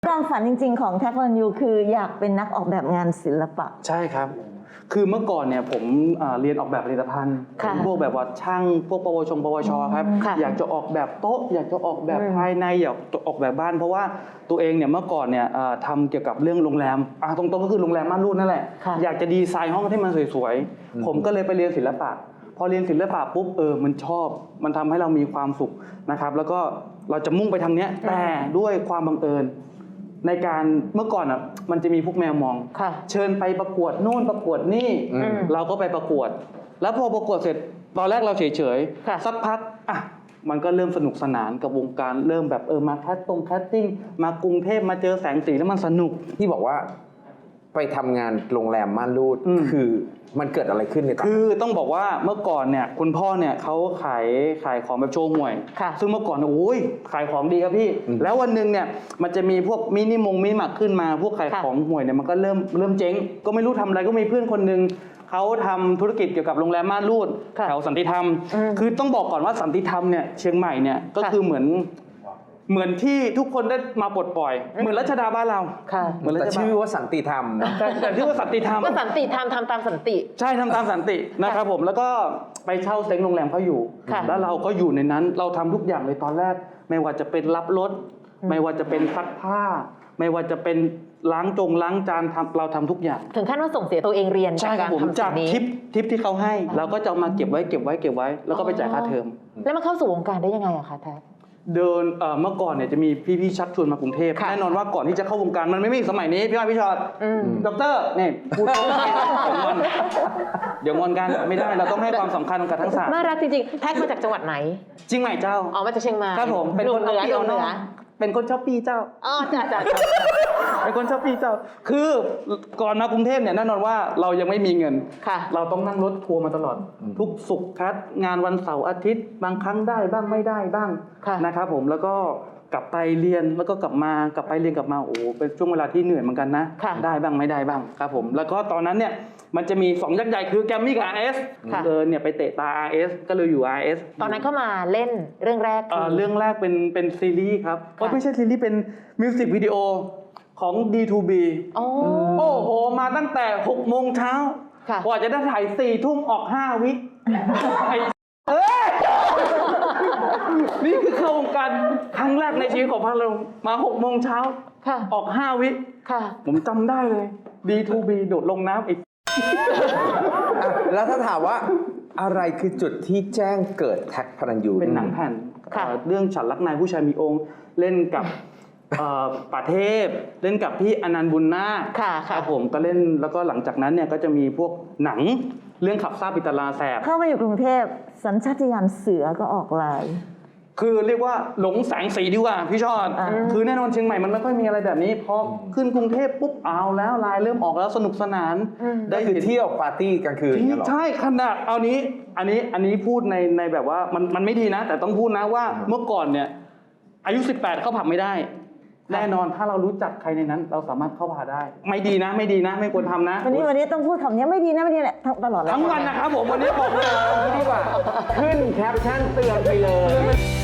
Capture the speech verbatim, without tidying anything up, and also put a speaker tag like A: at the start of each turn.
A: ความฝันจริงๆของแท็กพลันยูคืออยากเป็นนักออกแบบงานศิลปะ
B: ใช่ครับคือเมื่อก่อนเนี่ยผมเรียนออกแบบผลิตภัณฑ์พวกแบบว่าช่างพวกปวชปวชครับอยากจะออกแบบโต๊ะอยากจะออกแบบภายในอยากจะออกแบบบ้านเพราะว่าตัวเองเนี่ยเมื่อก่อนเนี่ยทำเกี่ยวกับเรื่องโรงแรมตรงๆก็คือโรงแรมม่านรูดนั่นแหละอยากจะดีไซน์ห้องให้มันสวยๆผมก็เลยไปเรียนศิลปะพอเรียนศิลปะปุ๊บเออมันชอบมันทำให้เรามีความสุขนะครับแล้วก็เราจะมุ่งไปทางเนี้ยแต่ด้วยความบังเอิญในการเมื่อก่อนอ่ะมันจะมีพวกแมวมองเชิญไปประกวดโน่นประกวดนี่เราก็ไปประกวดแล้วพอประกวดเสร็จตอนแรกเราเฉยๆสักพักอ่ะมันก็เริ่มสนุกสนานกับวงการเริ่มแบบเออมาแคสตรงแคสติ้งมากรุงเทพมาเจอแสงสีแล้วมันสนุก
C: ที่บอกว่าไปทำงานโรงแรมม่านรูดคือมันเกิดอะไรขึ้นในตอน
B: คือต้องบอกว่าเมื่อก่อนเนี่ยคุณพ่อเนี่ยเขาขายขายของแบบโชว์หวยซึ่งเมื่อก่อนโอ้ยขายของดีครับพี่แล้ววันหนึ่งเนี่ยมันจะมีพวกมินิมงมินิมาร์ทขึ้นมาพวกขายของหวยเนี่ยมันก็เริ่มเริ่มเจ๊งก็ไม่รู้ทำอะไรก็มีเพื่อนคนหนึ่งเขาทำธุรกิจเกี่ยวกับโรงแรมม่านรูดแถวสันติธรรมคือต้องบอกก่อนว่าสันติธรรมเนี่ยเชียงใหม่เนี่ยก็คือเหมือนเหมือนที่ทุกคนได้มาปลดปล่อยเหมือนรัชดาบ้านเรา
C: เหมือนแต่ชื่อว่าสันติธรรมนะ
B: แต่แต่ชื่อว่าสันติธรรม
D: ก็สันติธรรมทำตามสันติ
B: ใช่ทำตามสันตินะครับผมแล้วก็ไปเช่าเซ้งโรงแรมเขาอยู่แล้วเราก็อยู่ในนั้นเราทำทุกอย่างเลยตอนแรกไม่ว่าจะเป็นรับรถไม่ว่าจะเป็นซักผ้าไม่ว่าจะเป็นล้างจงล้างจานทำเราทำทุกอย่าง
D: ถึงขั้นว่าส่งเสียตัวเองเรียน
B: ใช่ครับผมจากทิปทิปที่เขาให้เราก็จะมาเก็บไว้เก็บไว้เก็บไว้แล้วก็ไปจ่ายค่าเทอม
D: แล้วมาเข้าสู่วงการได้ยังไงอะคะแท็ก
B: เดินเมื่อก่อนเนี่ยจะมีพี่ๆชักชวนมากรุงเทพแน่นอนว่าก่อนที่จะเข้าวงการมันไม่มีสมัยนี้พี่อ้อยพี่ชอตด็อกเตอร์นี่พูดเดี๋ยวงอนเดี๋ยวงอนกันไม่ได้เราต้องให้ความสำคัญกับทั้งสาม
D: น่ารักจริงๆแท็กมาจากจังหวัดไหน
B: เชียงใหม่เจ้า
D: อ๋อมาจากเชียงใหม่
B: ครับผมเป็นคน
D: เหนือเหนือ
B: เป็นคนชอบปีเจ้า
D: อ๋อจ้าจ้า
B: เป็นคนชอบปีเจ้าคือก่อนมากรุงเทพเนี่ยแน่นอนว่าเรายังไม่มีเงินเราต้องนั่งรถทัวร์มาตลอดทุกศุกร์คัดงานวันเสาร์อาทิตย์บางครั้งได้บ้างไม่ได้บ้างนะครับผมแล้วก็กลับไปเรียนแล้วก็กลับมากลับไปเรียนกลับมาโอ้เป็นช่วงเวลาที่เหนื่อยเหมือนกันนะได้บ้างไม่ได้บ้างครับผมแล้วก็ตอนนั้นเนี่ยมันจะมีสองยักษ์ใหญ่คือแกรมมี่กับ อาร์ เอส เดินเนี่ยไปเตะตา อาร์ เอส ก็เลยอยู่ อาร์ เอส
D: ตอนนั้นก็มาเล่นเรื่องแรก
B: เอ่อเรื่องแรกเป็นเป็นซีรีส์ครับก็ไม่ใช่ซีรีส์เป็นมิวสิกวิดีโอของ ดี ทู บี
D: โอ้
B: โหมาตั้งแต่หกโมงเช้ากว่าจะได้ถ่ายสี่ทุ่มออกห้าวิไอ้เอ้ยนี่คือเข้าวงการครั้งแรกในชีวิตของพระเรามาหกโมงเช้าออกห้าวิผมจำได้เลย ดี ทู บี โดดลงน้ำอีก
C: แล้วถ้าถามว่าอะไรคือจุดที่แจ้งเกิดแท็กพลันยู
B: เป็นหนังแผ่นเรื่องฉันรักนายผู้ชายมีองค์เล่นกับป่าเทพเล่นกับพี่อนันต์บุญนาคครับผมก็เล่นแล้วก็หลังจากนั้นเนี่ยก็จะมีพวกหนังเรื่องขับซ่าปิตาลาแสบ
A: เข้ามาอยู่กรุงเทพสัญชาตญาณเสือก็ออกลาย
B: คือเรียกว่าหลงแสงสีดีกว่าพี่ชอดคือแน่นอนเชียงใหม่มันไม่ค่อยมีอะไรแบบนี้พอขึ้นกรุงเทพปุ๊บเอาแล้วลายเริ่มออกแล้วสนุกสนาน
C: ได้คือเที่ยวปาร์ตี้กลางคืน
B: ใช่ขนาดเอานี้อันนี้อันนี้พูดในในแบบว่ามันมันไม่ดีนะแต่ต้องพูดนะว่าเมื่อก่อนเนี่ยอายุสิบแปดเข้าผับไม่ได้แน่นอนถ้าเรารู้จักใครในนั้นเราสามารถเข้าผับได้ไม่ดีนะไม่ดีนะไม่ควรทำนะ
A: วันนี้วันนี้ต้องพูดคำนี้ไม่ดีนะไม่ดีแหละตลอด
B: ทั้งวันนะครับผมวันนี้บอกเลย
C: ดีกว่าขึ้นแคปชั่นเตือนไปเลย